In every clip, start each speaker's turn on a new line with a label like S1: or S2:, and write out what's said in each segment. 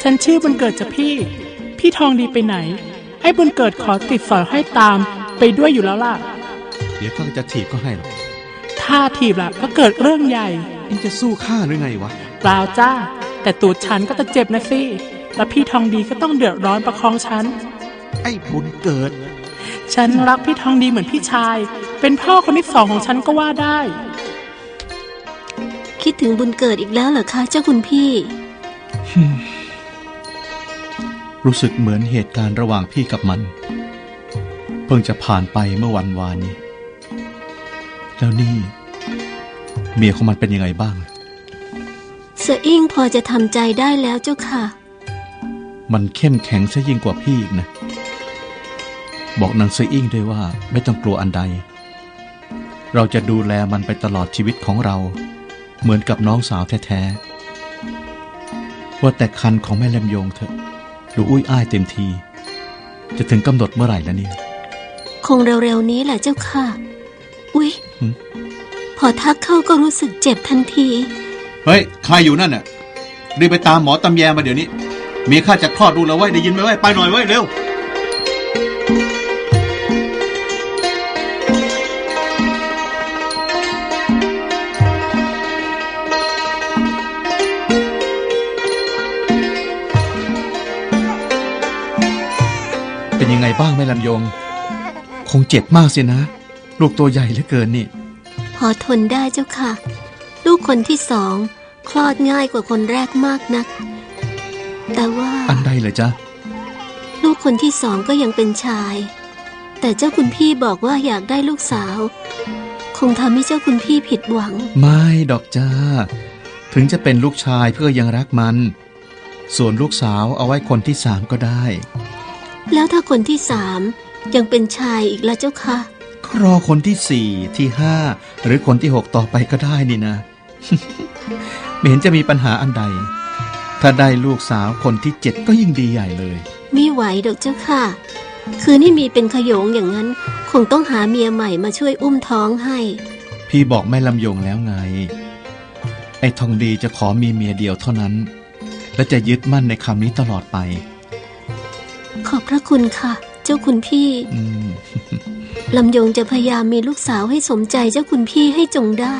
S1: ฉันชื่อบุญเกิดจ้ะพี่ทองดีไปไหนให้บุญเกิดขอติดสอยให้ตามไปด้วยอยู่แล้วล่ะ
S2: เดี๋ยวข้าจะถีบก็ให้หรอก
S1: ถ้าถีบล่ะก็เกิดเรื่องใหญ่
S2: เอ็งจะสู้ข้าหรือไงวะ
S1: เปล่าจ้าแต่ตูดฉันก็จะเจ็บนะสิแล้วพี่ทองดีก็ต้องเดือดร้อนประคองฉัน
S2: ไอ้บุญเกิด
S1: ฉันรักพี่ทองดีเหมือนพี่ชายเป็นพ่อคนที่2ของฉันก็ว่าได้
S3: คิดถึงบุญเกิดอีกแล้วเหรอคะเจ้าคุณพี่
S2: รู้สึกเหมือนเหตุการณ์ระหว่างพี่กับมันเพิ่งจะผ่านไปเมื่อวันวานนี้แล้วนี่เมียของมันเป็นยังไงบ้าง
S3: เสอิ่งพอจะทำใจได้แล้วเจ้าค่ะ
S2: มันเข้มแข็งซะยิ่งกว่าพี่อีกนะบอกนางเสอิ่งด้วยว่าไม่ต้องกลัวอันใดเราจะดูแลมันไปตลอดชีวิตของเราเหมือนกับน้องสาวแท้ๆว่าแต่คันของแม่ลำยงเถอะดูอุ้ยอ้ายเต็มทีจะถึงกำหนดเมื่อไหร่แล้วเนี่ย
S3: คงเร็วๆนี้แหละเจ้าค่ะอุ๊ยพอทักเข้าก็รู้สึกเจ็บทันที
S2: เฮ้ยใครอยู่นั่นน่ะรีบไปตามหมอตำแยมาเดี๋ยวนี้เมียข้าจะคลอดดูแล้วไว้ได้ยินไหมไว้ไปหน่อยไว้เร็วเป็นยังไงบ้างแม่ลำยงคงเจ็บมากสินะลูกตัวใหญ่เหลือเกินนี่
S3: พอทนได้เจ้าค่ะลูกคนที่2คลอดง่ายกว่าคนแรกมากนักแต่ว่า
S2: อันใดเหรอจ๊ะ
S3: ลูกคนที่2ก็ยังเป็นชายแต่เจ้าคุณพี่บอกว่าอยากได้ลูกสาวคงทำให้เจ้าคุณพี่ผิดหวัง
S2: ไม่ดอกจ้าถึงจะเป็นลูกชายเพื่อยังรักมันส่วนลูกสาวเอาไว้คนที่3ก็ได้
S3: แล้วถ้าคนที่3ยังเป็นชายอีกแล้วเจ้าค่ะ
S2: รอคนที่4ที่5หรือคนที่6ต่อไปก็ได้นี่นะ ไม่เห็นจะมีปัญหาอันใดถ้าได้ลูกสาวคนที่7ก็ยิ่งดีใหญ่เลย
S3: ไม่ไหวดอกเจ้าค่ะคืนนี้มีเป็นขโยงอย่างนั้นคงต้องหาเมียใหม่มาช่วยอุ้มท้องให้
S2: พี่บอกแม่ลำยงแล้วไงไอ้ทองดีจะขอมีเมียเดียวเท่านั้นและจะยึดมั่นในคำนี้ตลอดไป
S3: ขอบพระคุณค่ะเจ้าคุณพี่ลำยงจะพยายามมีลูกสาวให้สมใจเจ้าคุณพี่ให้จงได้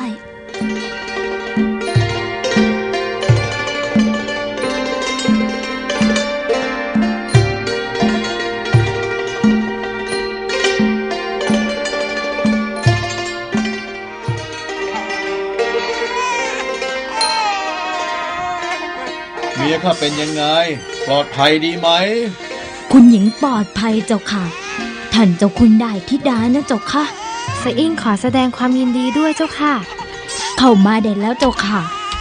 S2: เมียข้าเป็นยังไงปลอดภัยดีไหม
S4: คุณหญิงปลอดภัยเจ้าค่ะท่านเจ้าคุณได้ธิดานะเจ้าค่ะ
S5: เสอิ่งขอแสดงความยินดีด้วยเจ้าค่ะ
S4: เข้ามาได้แล้วเจ้าค่ะ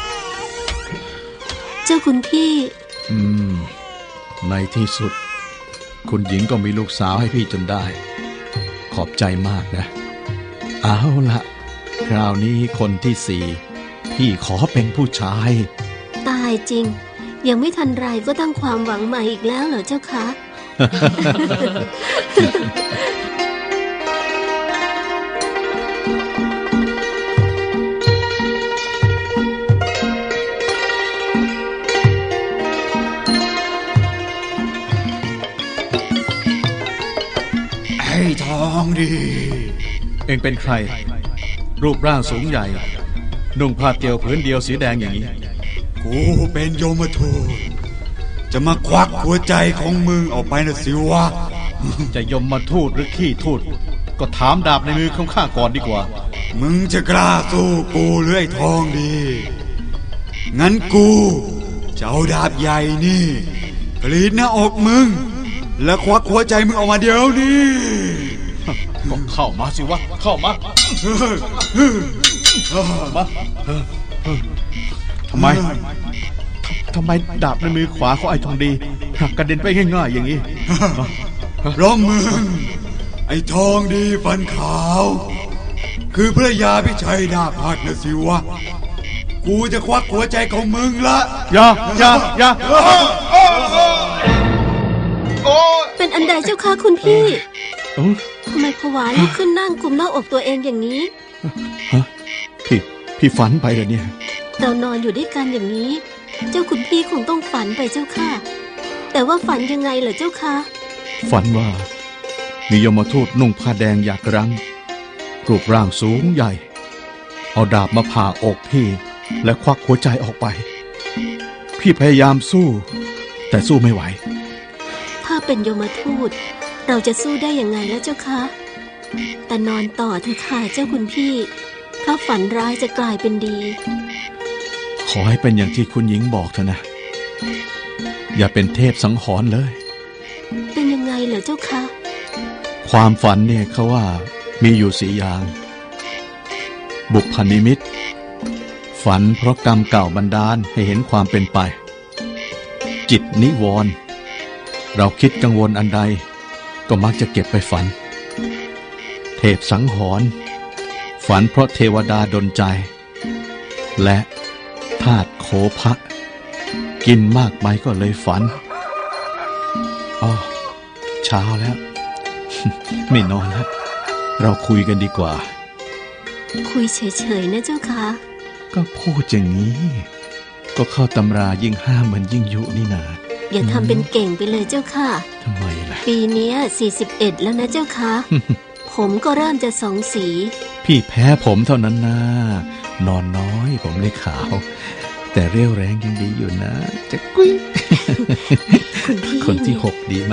S3: เจ้าคุณพี่
S2: ในที่สุดคุณหญิงก็มีลูกสาวให้พี่จนได้ขอบใจมากนะเอาละคราวนี้คนที่4พี่ขอเป็นผู้ชาย
S3: ตายจริงยังไม่ทันไรก็ตั้งความหวังใหม่อีกแล้วเหรอเจ้าคะ
S2: ไอ้ทองดีเอ็งเป็นใครรูปร่างสูงใหญ่นุ่งผ้าเตียวผืนเดียวสีแดงอย่างนี้
S6: กูเป็นโยมทูตจะมาควักหัวใจของมึงออกไปนะสิวะ
S2: จะยมมาทูตหรือขี้ทูตก็ถามดาบในมือของข้าก่อนดีกว่า
S6: มึงจะกล้าสู้กูหรือไอ้ทองดีงั้นกูจะเอาดาบใหญ่นี่กรีดหน้าอกมึงแล้วควักหัวใจมึงออกมาเดี๋ยวนี้
S2: ก็เข้ามาสิวะเข้ามาทำไมดาบในมือขวาของไอ้ทองดีหักกระเด็นไปง่ายๆอย่างนี้
S6: เพราะมึงไอ้ทองดีฟันขาวคือพระยาพิชัยนาคหักนะสิวะกูจะควักหัวใจของมึงละ
S2: อย่า
S3: เป็นอันใดเจ้าค่ะคุณพี่ทำไมผวาลุกขึ้นนั่งกุมหน้าอกตัวเองอย่างนี้
S2: พี่ฝันไปเหรอเนี่ย
S3: เรานอนอยู่ด้วยกันอย่างนี้เจ้าคุณพี่คงต้องฝันไปเจ้าค่ะแต่ว่าฝันยังไงเหรอเจ้าคะ
S2: ฝันว่ามียมทูตนุ่งผ้าแดงหยากรังรูปร่างสูงใหญ่ เอาดาบมาผ่าอกพี่และควักหัวใจออกไป พี่พยายามสู้ แต่สู้ไม่ไหว
S3: ถ้าเป็นยมทูตเราจะสู้ได้ยังไงแล้วเจ้าคะ แต่นอนต่อเถอะค่ะเจ้าคุณพี่ เพราะฝันร้ายจะกลายเป็นดี
S2: ขอให้เป็นอย่างที่คุณหญิงบอกเถอะนะ อย่าเป็นเทพสังหรณ์เลย
S3: เป็นยังไงเหรอเจ้าคะ
S2: ความฝันเนี่ยเขาว่ามีอยู่4 อย่าง บุพนิมิต ฝันเพราะกรรมเก่าบันดาลให้เห็นความเป็นไป จิตนิวรณ์เราคิดกังวลอันใดก็มักจะเก็บไปฝัน เทพสังหรณ์ฝันเพราะเทวดาดลใจ และธาตุโคภะกินมากไปก็เลยฝันอ๋อเช้าแล้ว ไม่นอนแล้วเราคุยกันดีกว่า
S3: คุยเฉยๆนะเจ้าคะ
S2: ก็พูดอย่างนี้ ก็เข้าตำรายิ่งห้ามเหมือนยิ่งยุนี่นา
S3: อย่าทำเป็นเก่งไปเลยเจ้าค่ะ
S2: ทำไมล่ะ
S3: ปีเนี้ย41แล้วนะเจ้าคะ ผมก็เริ่มจะ2 สี
S2: พี่แพ้ผมเท่านั้นนะนอนน้อยผมเลยขาว แต่เรี่ยวแรงยังดีอยู่นะจะกุ้ย
S3: คุณพี่
S2: คนที่6ดีไหม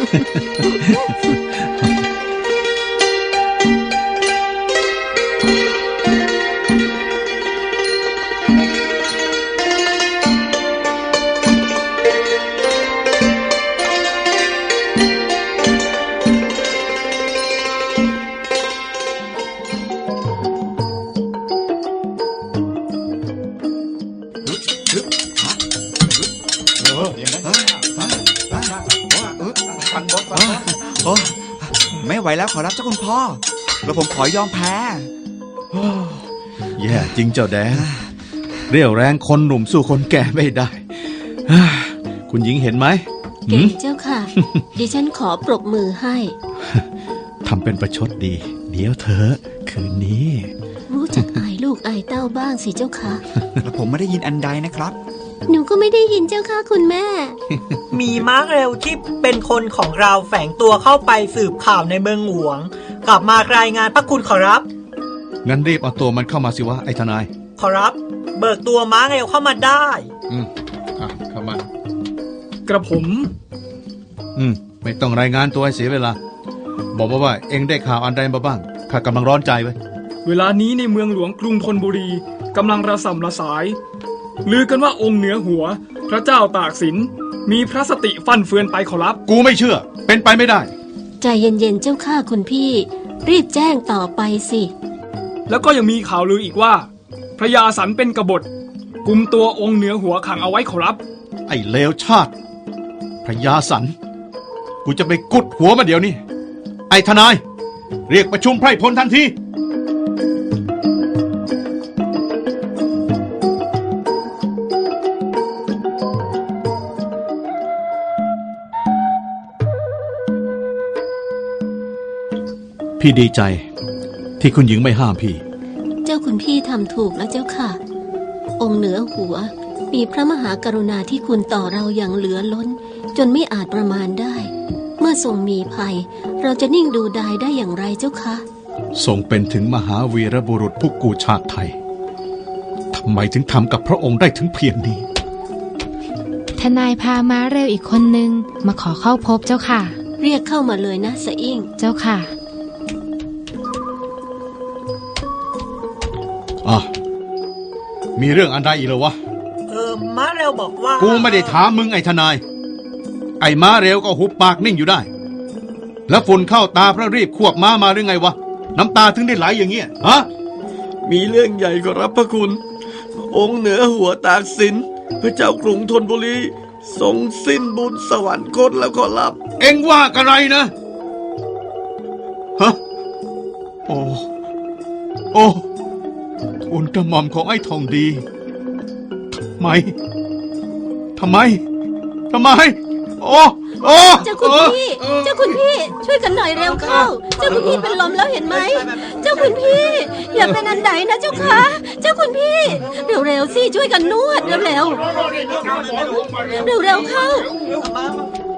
S6: โอ้ไม่ไหวแล้วขอรับเจ้าคุณพ่อแล้วผมขอยอมแพ้
S2: แย่จริงเจ้าแดงเรี่ยวแรงคนหนุ่มสู้คนแก่ไม่ได้ คุณหญิงเห็นไหม
S3: เก่งเจ้าค่ะ ดิฉันขอปรบมือให้
S2: ทำเป็นประชดดี เดี๋ยวเธอคืนนี้
S3: รู้จักอายลูกอายเต้าบ้างสิเจ้าค่ะ
S6: แล้วผมไม่ได้ยินอันใดนะครับ
S3: หนูก็ไม่ได้ยินเจ้าค่ะคุณแม่
S7: มีม้าเร็วที่เป็นคนของเราแฝงตัวเข้าไปสืบข่าวในเมืองหลวง กลับมารายงานพระคุณขอรับ
S2: งั้นรีบเอาตัวมันเข้ามาสิวะไอ้ทนาย
S7: ขอรับ เบิกตัวม้าเร็วเข้ามาได้
S2: เข้ามา
S1: กระผม
S2: ไม่ต้องรายงานตัวให้เสียเวลา บอกมาว่าเอ็งได้ข่าวอันใดมาบ้างข้ากำลังร้อนใจไว้
S1: เวลานี้ในเมืองหลวงกรุงธนบุรีกำลังระส่ำระสายลือกันว่าองค์เหนือหัว พระเจ้าตากสินมีพระสติฟั่นเฟือนไปขอรับ
S2: กูไม่เชื่อ เป็นไปไม่ได้
S3: ใจเย็นๆเจ้าค่ะคุณพี่ รีบแจ้งต่อไปสิ
S1: แล้วก็ยังมีข่าวลืออีกว่า พระยาสันเป็นกบฏกุมตัวองค์เหนือหัวขังเอาไว้ขอรับ
S2: ไอ้เลวชาติพระยาสันกูจะไปกุดหัวมาเดี๋ยวนี้ไอ้ทนาย เรียกประชุมไพร่พลทันที พี่ดีใจที่คุณหญิงไม่ห้ามพี่
S3: เจ้าคุณพี่ทำถูกแล้วเจ้าค่ะ องค์เหนือหัวมีพระมหากรุณาธิคุณต่อเราอย่างเหลือล้น จนไม่อาจประมาณได้ เมื่อทรงมีภัย เราจะนิ่งดูดายได้อย่างไรเจ้าคะ
S2: ทรงเป็นถึงมหาวีรบุรุษผู้กูชาติไทยทำไมถึงทำกับพระองค์ได้ถึงเพียงนี้
S5: ทนายพาม้าเร็วอีกคนนึงมาขอเข้าพบเจ้าค่ะ
S3: เรียกเข้ามาเลยนะสะอิ่ง
S5: เจ้าค่ะ
S2: มีเรื่องอันใดอีกเหรอวะ
S7: ม้าเร็วบอกว่า
S2: กูไม่ได้ถามมึงไอ้ทนาย ไอ้ม้าเร็วก็หุบปากนิ่งอยู่ได้ แล้วฝุ่นเข้าตาเพราะรีบควบม้ามาหรือไงวะ น้ำตาถึงได้ไหลอย่างเงี้ยฮะ
S8: มีเรื่องใหญ่ขอรับพระคุณ องค์เหนือหัวตากสินพระเจ้ากรุงธนบุรีทรงสิ้นบุญสวรรคตแล้วขอรับ
S2: เอ็งว่ากันไรนะฮะโอ้ทูลกระหม่อมของไอ้ทองดีทำไม
S6: โอ้โอ้
S3: เจ้าคุณพี่ เจ้าคุณพี่ ช่วยกันหน่อยเร็วเข้า เจ้าคุณพี่เป็นลมแล้วเห็นไหม เจ้าคุณพี่ อย่าเป็นอันใดนะเจ้าค่ะ เจ้าคุณพี่ เร็วๆสิช่วยกันนวดเร็วๆเร็วๆเข้า